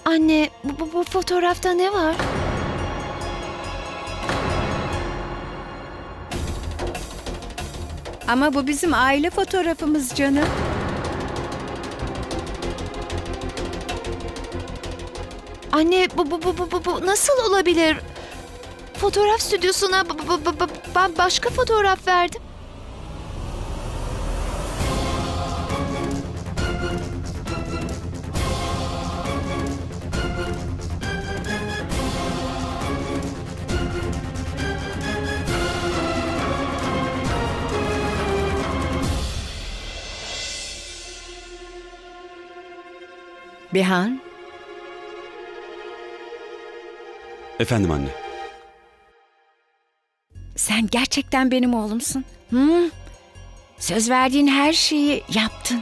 Anne, bu fotoğrafta ne var? Ama bu bizim aile fotoğrafımız canım. Anne, bu nasıl olabilir? Fotoğraf stüdyosuna ben başka fotoğraf verdim. Bihan, Efendim anne. sen gerçekten benim oğlumsun. Söz verdiğin her şeyi yaptın.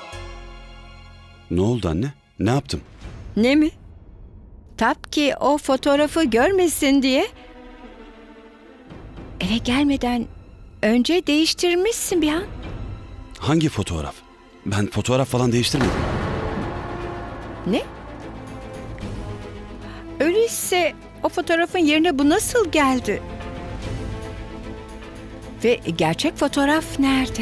Ne oldu anne? Ne yaptım? Ne mi? Tapki o fotoğrafı görmesin diye eve gelmeden önce değiştirmişsin Bihan. Hangi fotoğraf? Ben fotoğraf falan değiştirmedim. Ne? Öyleyse o fotoğrafın yerine bu nasıl geldi? Ve gerçek fotoğraf nerede?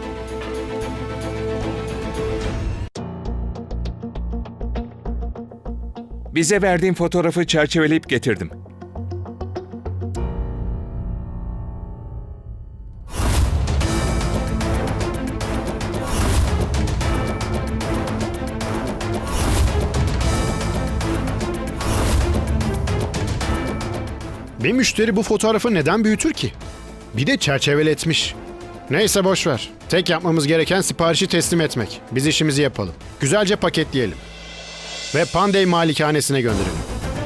Bize verdiğin fotoğrafı çerçeveleyip getirdim. Bir müşteri bu fotoğrafı neden büyütür ki? Bir de çerçeveletmiş. Neyse boş ver. Tek yapmamız gereken siparişi teslim etmek. Biz işimizi yapalım. Güzelce paketleyelim. Ve Pandey malikanesine gönderelim.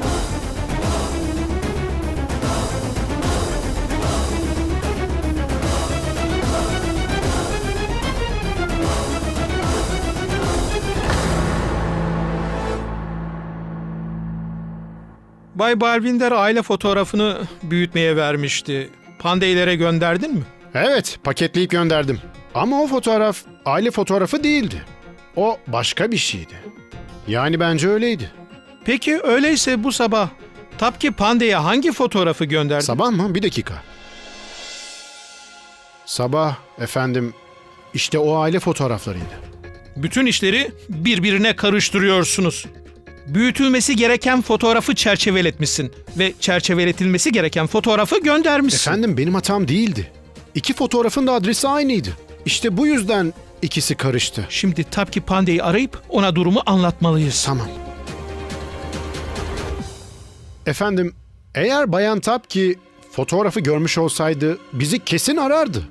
Bay Balvinder aile fotoğrafını büyütmeye vermişti. Pandeylere gönderdin mi? Evet, paketleyip gönderdim. Ama o fotoğraf aile fotoğrafı değildi. O başka bir şeydi. Yani bence öyleydi. Peki öyleyse bu sabah Tapki Pandey'e hangi fotoğrafı gönderdin? Sabah mı? Bir dakika. Sabah efendim işte o aile fotoğraflarıydı. Bütün işleri birbirine karıştırıyorsunuz. Büyütülmesi gereken fotoğrafı çerçeveletmişsin ve çerçeveletilmesi gereken fotoğrafı göndermişsin. Efendim benim hatam değildi. İki fotoğrafın da adresi aynıydı. İşte bu yüzden ikisi karıştı. Şimdi Tapki Pandey'i arayıp ona durumu anlatmalıyız. Tamam. Efendim, eğer Bayan Tapki fotoğrafı görmüş olsaydı bizi kesin arardı.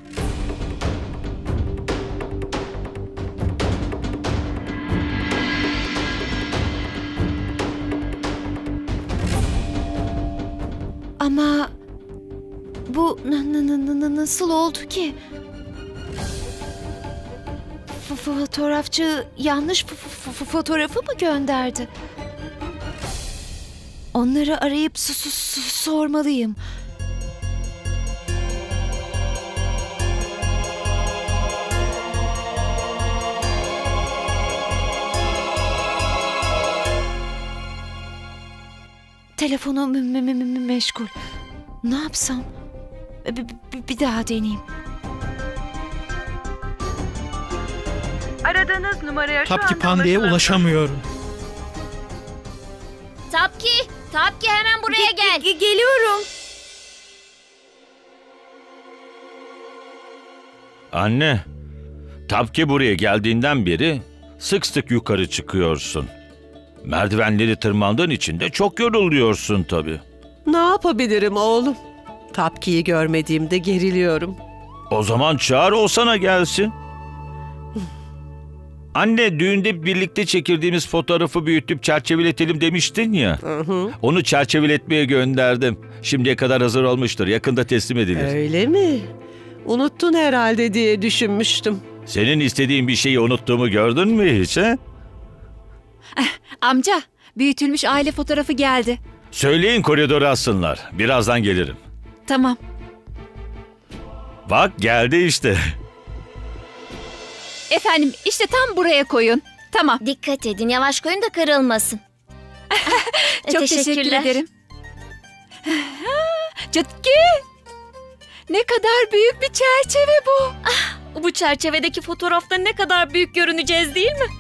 Ama bu nasıl oldu ki? Fotoğrafçı yanlış fotoğrafı mı gönderdi? Onları arayıp sormalıyım. Telefonu meşgul. Ne yapsam? Bir daha deneyeyim. Aradığınız numaraya şu Tapki anda Pandey'e ulaşamıyorum. Tapki hemen buraya gel. Geliyorum. Anne, Tapki buraya geldiğinden beri sık sık yukarı çıkıyorsun. Merdivenleri tırmandığın için de çok yoruluyorsun tabii. Ne yapabilirim oğlum? Tapki'yi görmediğimde geriliyorum. O zaman çağır o sana gelsin. Anne, düğünde birlikte çekildiğimiz fotoğrafı büyütüp çerçeveletelim demiştin ya. Onu çerçeveletmeye gönderdim. Şimdiye kadar hazır olmuştur. Yakında teslim edilir. Öyle mi? Unuttun herhalde diye düşünmüştüm. Senin istediğin bir şeyi unuttuğumu gördün mü hiç he? Amca, büyütülmüş aile fotoğrafı geldi. Söyleyin koridora assınlar. Birazdan gelirim. Tamam. Bak geldi işte. Efendim, işte tam buraya koyun. Tamam. Dikkat edin, yavaş koyun da kırılmasın. Çok teşekkür Teşekkürler. ederim. Çutki! Ne kadar büyük bir çerçeve bu. Bu çerçevedeki fotoğrafta ne kadar büyük görüneceğiz değil mi?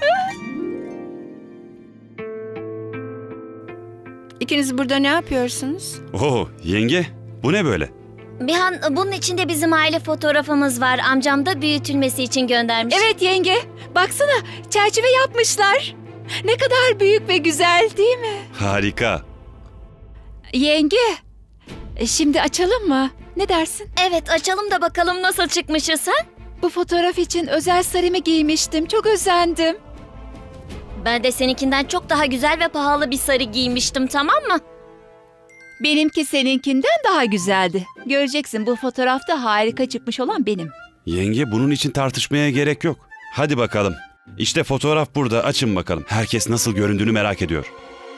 İkiniz burada ne yapıyorsunuz? Oo yenge bu ne böyle? Bihan, bunun içinde bizim aile fotoğrafımız var. Amcam da büyütülmesi için göndermiş. Evet yenge, baksana çerçeve yapmışlar. Ne kadar büyük ve güzel değil mi? Harika. Yenge, şimdi açalım mı? Ne dersin? Evet, açalım da bakalım nasıl çıkmışız ha? Bu fotoğraf için özel sarımı giymiştim. Çok özendim. Ben de seninkinden çok daha güzel ve pahalı bir sarı giymiştim, tamam mı? Benimki seninkinden daha güzeldi. Göreceksin, bu fotoğrafta harika çıkmış olan benim. Yenge bunun için tartışmaya gerek yok. Hadi bakalım. İşte fotoğraf burada. Açın bakalım. Herkes nasıl göründüğünü merak ediyor.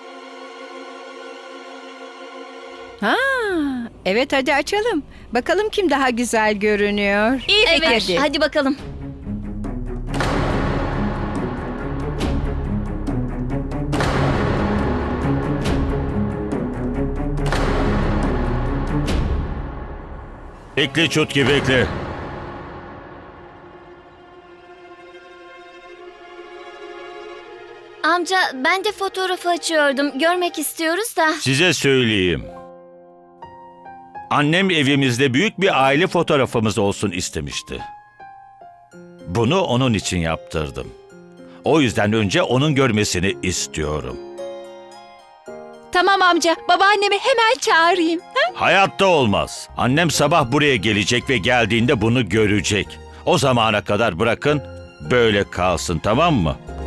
Ha, evet hadi açalım. Bakalım kim daha güzel görünüyor. İyi Evet, fikir. hadi bakalım. Bekle Çutki, bekle. Amca, ben de fotoğrafı açıyordum. Görmek istiyoruz da. Size söyleyeyim. Annem evimizde büyük bir aile fotoğrafımız olsun istemişti. Bunu onun için yaptırdım. O yüzden önce onun görmesini istiyorum. Tamam amca, babaannemi hemen çağırayım. Hayatta olmaz. Annem sabah buraya gelecek ve geldiğinde bunu görecek. O zamana kadar bırakın böyle kalsın, tamam mı?